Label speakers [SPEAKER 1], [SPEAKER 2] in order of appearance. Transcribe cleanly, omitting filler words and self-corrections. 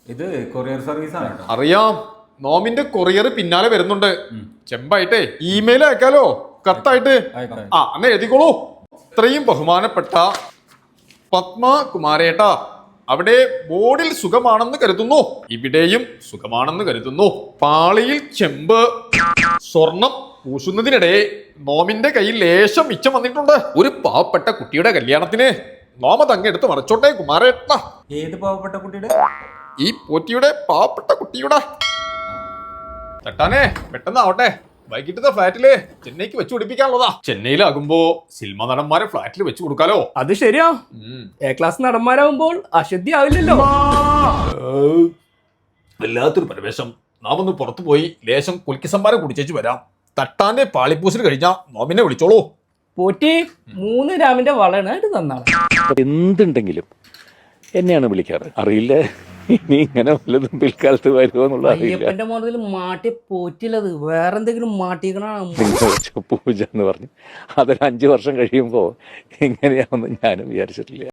[SPEAKER 1] ഇത് courier service ആണ് കേട്ടോ.
[SPEAKER 2] അറിയാം, നോമിന്റെ കൊറിയർ പിന്നാലെ വരുന്നുണ്ട്. ചെമ്പായിട്ടേ ഇമെയിൽ അയക്കാലോ, കത്തായിട്ട്. ആ അന്ന് എഴുതിക്കോളൂ. ഇത്രയും ബഹുമാനപ്പെട്ട പത്മകുമാരേട്ട, അവിടെ ബോർഡിൽ സുഖമാണെന്ന് കരുതുന്നു, ഇവിടെയും സുഖമാണെന്ന് കരുതുന്നു. പാളിയിൽ ചെമ്പ് സ്വർണം പൂശുന്നതിനിടെ നോമിന്റെ കയ്യിൽ ലേശം മിച്ചം വന്നിട്ടുണ്ട്. ഒരു പാവപ്പെട്ട കുട്ടിയുടെ കല്യാണത്തിന് നോമ തങ്ങെടുത്ത് മറിച്ചോട്ടെ കുമാരേട്ട.
[SPEAKER 1] ഏത് പാവപ്പെട്ട കുട്ടിയുടെ?
[SPEAKER 2] ഈ പോറ്റിയുടെ പാവപ്പെട്ട കുട്ടിയുടെ. തട്ടാനേ പെട്ടെന്നാവട്ടെ, വൈകിട്ടത്തെ ഫ്ലാറ്റില് ചെന്നൈക്ക് വെച്ച് പിടിപ്പിക്കാനുള്ളതാ. ചെന്നൈയിലാകുമ്പോ സിനിമ നടന്മാരെ ഫ്ലാറ്റിൽ വെച്ച് കൊടുക്കാലോ.
[SPEAKER 3] അത് ശരിയാ, എ ക്ലാസ് നടന്മാരാകുമ്പോൾ അശുദ്ധി ആവില്ലല്ലോ.
[SPEAKER 2] വല്ലാത്തൊരു പരിവേഷം. നാം ഒന്ന് പുറത്തു പോയി ലേശം കുൽക്കി സംഭാരം കുടിച്ചേച്ച് വരാം. തട്ടാന്റെ പാളിപ്പൂസിൽ കഴിഞ്ഞാ നോമിനെ വിളിച്ചോളൂ.
[SPEAKER 3] പോറ്റി 3 ഗ്രാമിന്റെ വളനായിട്ട് തന്നാണ്.
[SPEAKER 4] എന്തുണ്ടെങ്കിലും എന്നെയാണ് വിളിക്കാറ്. അറിയില്ല ഇനി ഇങ്ങനെ വല്ലതും പിൽക്കാലത്ത് വരുമോ എന്നുള്ള അറിയില്ല.
[SPEAKER 3] അയ്യപ്പന്റെ മോഡൽ മാട്ടി പോറ്റില്ലത്, വേറെന്തെങ്കിലും മാട്ടിക്കണ
[SPEAKER 4] പൂജ എന്ന് പറഞ്ഞു അതൊരു 5 വർഷം കഴിയുമ്പോൾ എങ്ങനെയാണെന്ന് ഞാനും വിചാരിച്ചിട്ടില്ല.